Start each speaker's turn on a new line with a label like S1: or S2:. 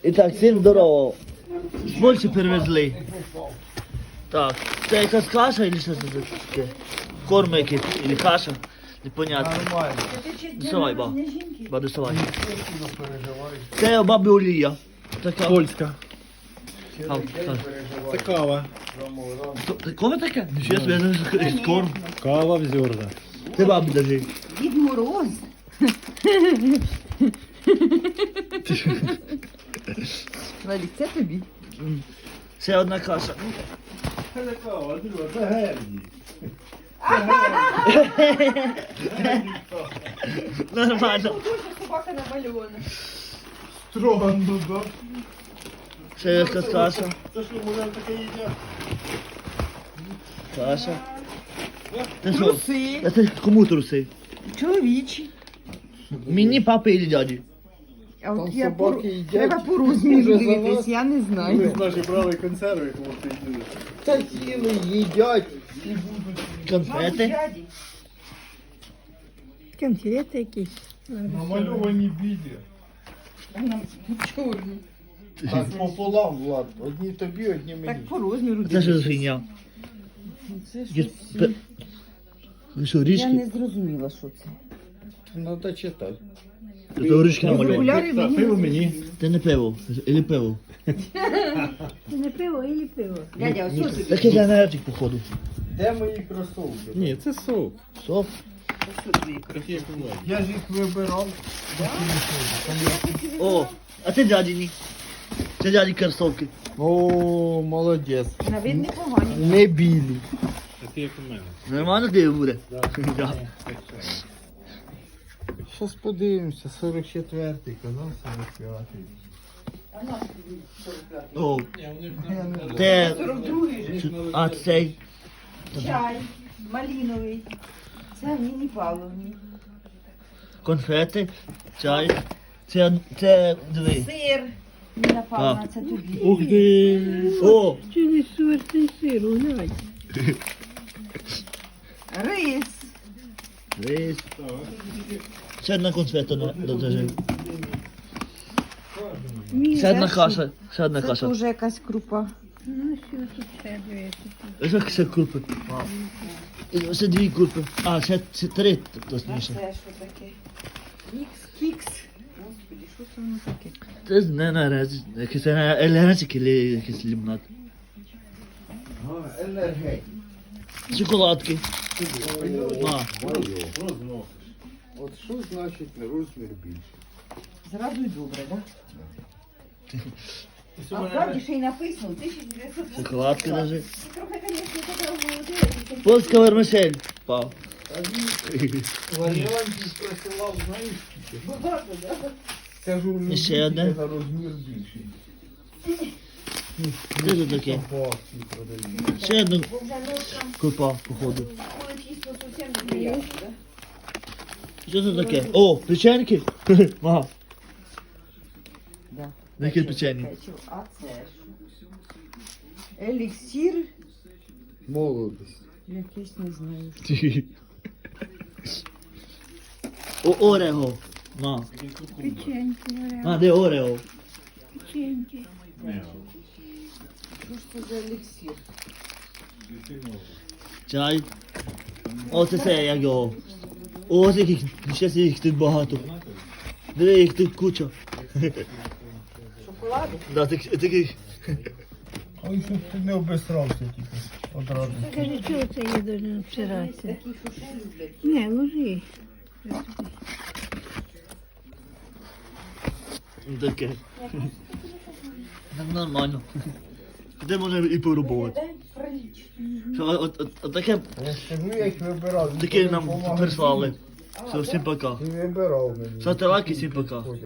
S1: І так, всім здорово. Більше перевезли. Так, це якась каша или що це таке? Корм якийсь, или каша? Непонятно.
S2: Нормально.
S1: Доставай, ба. Ба, доставай. Це у баби Олія. Така.
S3: Польська.
S1: Так.
S3: Це кава.
S1: Коме таке? Нічого собі, я не знаю, корм.
S3: Кава в зерна.
S1: Ти бабі держи.
S4: Дід Мороз. Валік, це тобі.
S1: Ще одна каша.
S2: Це не кава, друга, це герні.
S1: Нормально.
S4: Собака намальована.
S2: Странно, да?
S1: Ще якась каша.
S2: Це що, може, таке їдять?
S1: Каша. Ти що?
S4: Труси.
S1: А ти кому труси?
S4: Чоловічі.
S1: Мені, папі і дяді.
S4: А от
S2: Там
S4: я
S2: собаки їдять.
S4: треба по розміру
S2: Дуже за
S4: дивитись,
S2: вас.
S4: я не
S2: Ми
S4: знаю.
S2: ж наші брали консерви, кому ти йдеш. Та їли, їдять і будуть.
S1: Конфети.
S5: Конфети якісь.
S2: Намальовані біді.
S4: Чорні.
S2: Так, пополам, Влад. Одні тобі, одні мені.
S4: Так по розміру
S1: Це що за
S4: дивитись.
S1: фігня?
S4: Це
S1: Є-
S4: щось.
S1: пе- Ви що,
S4: Я
S1: річки?
S4: не зрозуміла, що це.
S2: Треба читати.
S1: Це річки намальовані.
S4: Окуляри мені.
S2: пиво мені.
S1: Це не пиво, или пиво.
S5: Це не пиво, і пиво.
S4: Дядя, ось ось тобі.
S1: Такий енергетик, походу.
S2: Де мої кросовки?
S3: Ні, це сок.
S1: Сок.
S2: Я ж їх вибирав.
S1: О, а це дядіні. Це дяді кросовки.
S2: О, молодець.
S4: На вид непогані.
S2: Не білі.
S3: Такі як у мене.
S1: Нормально диво буде? Да.
S2: Щас подивимося, 44-й, казав 45-й.
S1: О,
S2: Я не знаю.
S1: це...
S4: 42-й.
S1: А, цей.
S4: Чай. Малиновий. Це Ніні Павловні.
S1: Конфети, чай. Це диви.
S4: Сир. Ніна Павловна, це тобі.
S1: Ух ти. О,
S5: Чи не сверстий сир, глянь.
S4: Рис.
S1: рис. Ще одна конфета додержи. Ще одна каша. Ще одна
S4: Це
S1: каша.
S4: теж якась крупа.
S5: Ну, що тут ще дивитися?
S1: Ось ще крупи. І ще дві крупи. А, ще три,
S4: А
S1: точніше.
S4: це що таке? Мікс, кікс. Господи, що це воно таке?
S1: Це не нараз. Якийсь енергетик або якийсь лимонад.
S2: Енергетик.
S1: Шоколадки. А,
S2: От що значить розмір більше?
S4: Зразу й добре, так? А вправді ще й написано 1900.
S1: шоколадки даже.
S4: Трохи, звісно, така молодець.
S1: Польська вермишель. Пав.
S2: Варіантів присилав, знаєш скільки? Багато, так? Це ж у
S1: І ще
S2: людей
S1: одне.
S2: тільки на розмір більший.
S1: Де це таке?
S2: Собаки продають.
S1: Ще одна крупа, походу.
S4: Коли чисто зовсім неприємно, так?
S1: Що це таке? О, печеньки? Ага.
S4: Да.
S1: Які печені?
S4: А це що? Еліксір.
S2: Молодість.
S4: Якийсь не знаю.
S1: О, Орео. На.
S5: Печеньки, варіант.
S1: А, де Орео?
S5: Печеньки.
S4: Що ж це за еліксір?
S1: Чай. О, це як його. О, яких, ще їх тут багато. Диви, їх тут куча.
S4: Шоколади?
S1: Да, таких.
S2: Ой, щоб ти не обесрався тільки одразу.
S5: Скажи, чого це є дуже обсиратися?
S4: Такі, що ще люблять.
S5: Не, ложи.
S1: Таке. Так нормально. Де можна і порубувати. Що, от таке,
S2: Я ж кажу, я їх вибирав.
S1: таке нам прислали. Все, всім пока.
S2: Ти вибирав мені.
S1: Ставте лайки, всім пока.